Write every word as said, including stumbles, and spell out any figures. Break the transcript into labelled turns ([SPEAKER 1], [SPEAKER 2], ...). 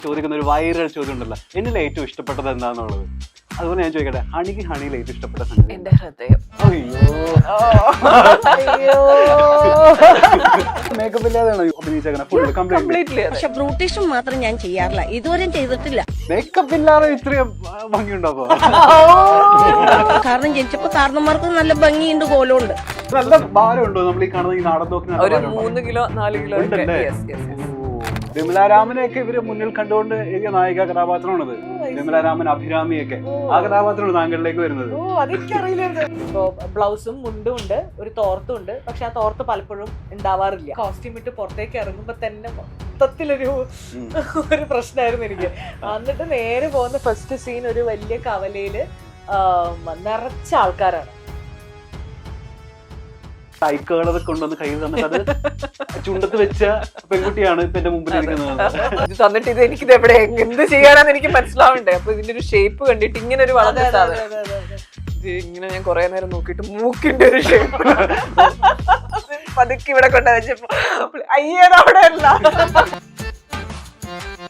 [SPEAKER 1] ചോദിക്കുന്ന ഒരു വൈറൽ ചോദ്യം ഉണ്ടല്ലോ, എന്നിൽ ഏറ്റവും ഇഷ്ടപ്പെട്ടത് എന്താണെന്നുള്ളത്. അതുപോലെ ഞാൻ ചോദിക്കട്ടെ, ഹണിക്ക് ഹണിയിൽ ഏറ്റവും ഇഷ്ടപ്പെട്ട സംഗതി?
[SPEAKER 2] എന്റെ ഹൃദയം.
[SPEAKER 1] അയ്യോ, മേക്കപ്പ് ഇല്ലാതെയാണോ അഭിനയിച്ചേക്കണേ? Full completely.
[SPEAKER 3] പക്ഷെ ബ്യൂട്ടീഷ്യൻ മാത്രം ഞാൻ ചെയ്യാറില്ല, ഇതുവരെയും ചെയ്തിട്ടില്ല.
[SPEAKER 1] മേക്കപ്പ് ഇല്ലാതെ ഇത്രയും ഭംഗിയുണ്ടാവോ?
[SPEAKER 3] കാരണം ജനിച്ചപ്പോ കാരണന്മാർക്ക് നല്ല ഭംഗിയുണ്ട്, കോലമുണ്ട്.
[SPEAKER 1] നല്ല ഭാരമുണ്ടോ നമ്മൾ ഈ കാണുന്ന ഈ നാടൻ നോക്കി?
[SPEAKER 2] ഒരു മൂന്ന് കിലോ നാല് കിലോ
[SPEAKER 1] വിമലാരാമനെയൊക്കെ ഇവര് മുന്നിൽ കണ്ടുകൊണ്ട് എഴുതിയ നായിക കഥാപാത്രമാണത്. വിമലാരാമൻ, അഭിരാമിയൊക്കെ ആ കഥാപാത്രമാണ് താങ്കളിലേക്ക് വരുന്നത്.
[SPEAKER 4] ഓ അതെനിക്കറിയില്ലായിരുന്നു. ഇപ്പൊ ബ്ലൗസും മുണ്ടും ഉണ്ട്, ഒരു തോർത്തും ഉണ്ട്. പക്ഷെ ആ തോർത്ത് പലപ്പോഴും ഉണ്ടാവാറില്ല. കോസ്റ്റ്യൂം ഇട്ട് പുറത്തേക്ക് ഇറങ്ങുമ്പോ തന്നെ മൊത്തത്തിലൊരു ഒരു പ്രശ്നമായിരുന്നു എനിക്ക്. എന്നിട്ട് നേരെ പോകുന്ന ഫസ്റ്റ് സീൻ ഒരു വലിയ കവലയില് നിറച്ച ആൾക്കാരാണ്.
[SPEAKER 1] സൈക്കുകളത് കൊണ്ടുവന്ന് കയ്യിൽ തന്നിട്ട് അത് ചുണ്ടത്ത് വെച്ച പെൺകുട്ടിയാണ് ഇപ്പൊ എന്റെ മുമ്പിൽ ഇരിക്കുന്നത്.
[SPEAKER 2] ഇത് തന്നിട്ട് ഇത് എനിക്കിത് എവിടെ എന്ത് ചെയ്യാനാന്ന് എനിക്ക് മനസ്സിലാവണ്ടേ. അപ്പൊ ഇതിന്റെ ഒരു ഷേപ്പ് കണ്ടിട്ട് ഇങ്ങനെ ഒരു വളരെ ഇത് ഇങ്ങനെ ഞാൻ കൊറേ നേരം നോക്കിയിട്ട് മൂക്കിന്റെ ഒരു ഷേപ്പ് പതുക്കെ ഇവിടെ കൊണ്ടുവച്ചപ്പോ അയ്യേത് അവിടെ അല്ല.